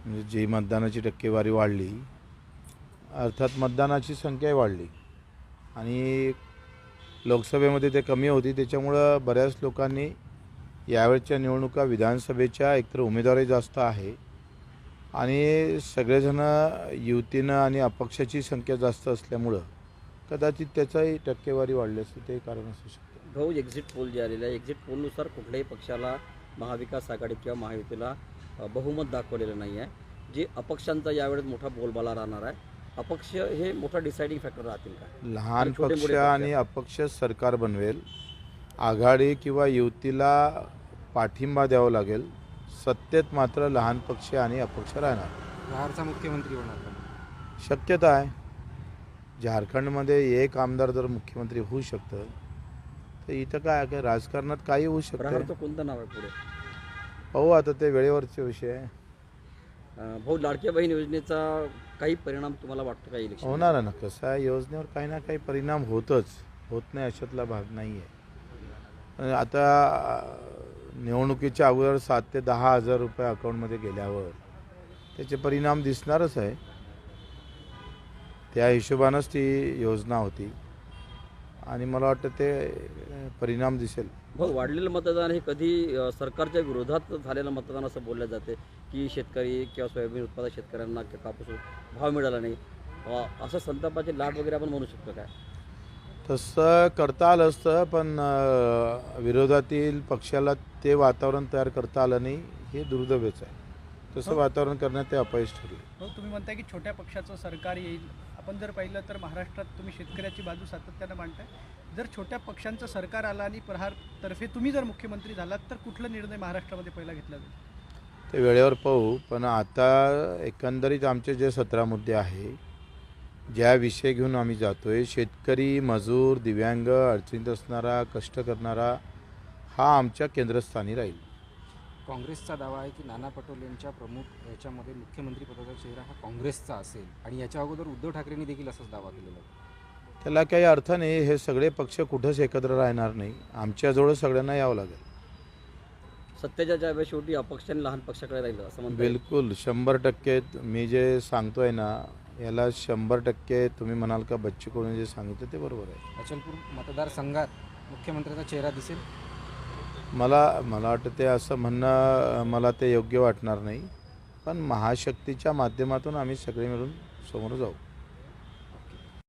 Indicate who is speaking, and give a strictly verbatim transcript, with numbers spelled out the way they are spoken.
Speaker 1: म्हणजे जी मतदानाची टक्केवारी वाढली, अर्थात मतदानाची संख्याही वाढली आणि लोकसभेमध्ये ते कमी होती, त्याच्यामुळं बऱ्याच लोकांनी यावेळच्या निवडणुका विधानसभेच्या एकतर उमेदवारी जास्त आहे आणि सगळेजण युतीनं आणि अपक्षाची संख्या जास्त असल्यामुळं कदाचित त्याचाही टक्केवारी वाढली असते, ते कारण असू शकतं.
Speaker 2: भाऊ, एक्झिट पोल जे आलेले आहे, एक्झिट पोलनुसार कुठल्याही पक्षाला महाविकास आघाडी किंवा महायुतीला अ, बहुमत दाखवलेलं नाही आहे. जे अपक्षांचा यावेळेस मोठा बोलबाला राहणार आहे. अपक्ष हे मोठा डिसाइडिंग फॅक्टर राहतील का?
Speaker 1: लहान
Speaker 2: छोटे
Speaker 1: पक्ष
Speaker 2: मोठे पक्ष.
Speaker 1: आणि अपक्ष सरकार बनवेल. आघाडी किंवा युतीला पाठिंबा द्यावा लागेल. सत्तेत मात्र लहान पक्ष आणि अपक्ष राहणार.
Speaker 3: बिहारचा मुख्यमंत्री होणार का?
Speaker 1: शक्यता आहे. झारखंडमध्ये एक आमदार जर मुख्यमंत्री होऊ शकतं तर इथं काय काय राजकारणात काही होऊ शकतं.
Speaker 2: प्रहारचं कोणतं नाव आहे पुढे?
Speaker 1: पाहू आता, ते वेळेवरचे विषय आहे.
Speaker 2: अ, भाऊ, लाडक्या बहीण योजनेचा काही परिणाम तुम्हाला वाटतो का इलेक्शन?
Speaker 1: होणार आहे ना. कसं आहे, योजनेवर काही ना काही परिणाम होतच, होत नाही अशातला भाग नाही आहे. आता अं, निवडणुकीच्या अगोदर सात ते दहा हजार रुपये अकाउंटमध्ये गेल्यावर त्याचे परिणाम दिसणारच आहे. त्या हिशोबानंच ती योजना होती आणि मला वाटतं ते अं, परिणाम दिसेल.
Speaker 2: भाऊ, वाढलेलं मतदान हे कधी अ, सरकारच्या विरोधात झालेलं मतदान असं बोललं जाते की शेतकरी किंवा सोयाबीन उत्पादक शेतकऱ्यांना किंवा कापूस भाव मिळाला नाही, अ, असं संतापाची लाट वगैरे आपण म्हणू शकतो काय?
Speaker 1: तसं करता आलं असतं, पण अं, विरोधातील पक्षाला ते वातावरण तयार करता आलं नाही, हे दुर्दैवच आहे. तसं वातावरण करण्यात ते अपयश ठरले.
Speaker 4: हो, तुम्ही म्हणताय की छोट्या पक्षाचं सरकार येईल. आपण जर पाहिलं तर महाराष्ट्रात तुम्ही शेतकऱ्याची बाजू सातत्यानं मांडताय. जर छोट्या पक्षांचं सरकार आलं आणि प्रहारतर्फे तुम्ही जर मुख्यमंत्री झालात तर कुठला निर्णय महाराष्ट्रामध्ये पहिला घेतला जाईल?
Speaker 1: ते वेळेवर पाहू. पण आता एकंदरीत आमचे जे सतरा मुद्दे आहे, ज्या विषय घेऊन आम्ही जातो आहे, शेतकरी, मजूर, दिव्यांग, अडचणीत असणारा, कष्ट करणारा, हा आमच्या केंद्रस्थानी राहील.
Speaker 3: काँग्रेसचा दावा आहे की नाना पटोलेंच्या प्रमुख याच्यामध्ये मुख्यमंत्री पदाचा चेहरा हा काँग्रेसचा असेल आणि याच्या अगोदर उद्धव ठाकरेंनी देखील असाच दावा केलेला आहे.
Speaker 1: त्याला काही अर्थ नाही. हे सगळे पक्ष कुठंच एकत्र राहणार नाही. आमच्याजवळ सगळ्यांना यावं लागेल.
Speaker 2: सत्तेच्या ज्या शेवटी अपक्ष आणि लहान पक्षाकडे राहिलं असं म्हणता येईल.
Speaker 1: बिलकुल शंभर टक्के मी जे सांगतोय ना, याला शंभर टक्के तुम्ही म्हणाल का बच्चू कडून जे सांगितलं ते बरोबर आहे.
Speaker 3: अचलपूर मतदारसंघात मुख्यमंत्र्याचा चेहरा दिसेल.
Speaker 1: मला मला वाटतं ते असं म्हणणं मला ते योग्य वाटणार नाही. पण महाशक्तीच्या माध्यमातून आम्ही सगळे मिळून समोर जाऊ.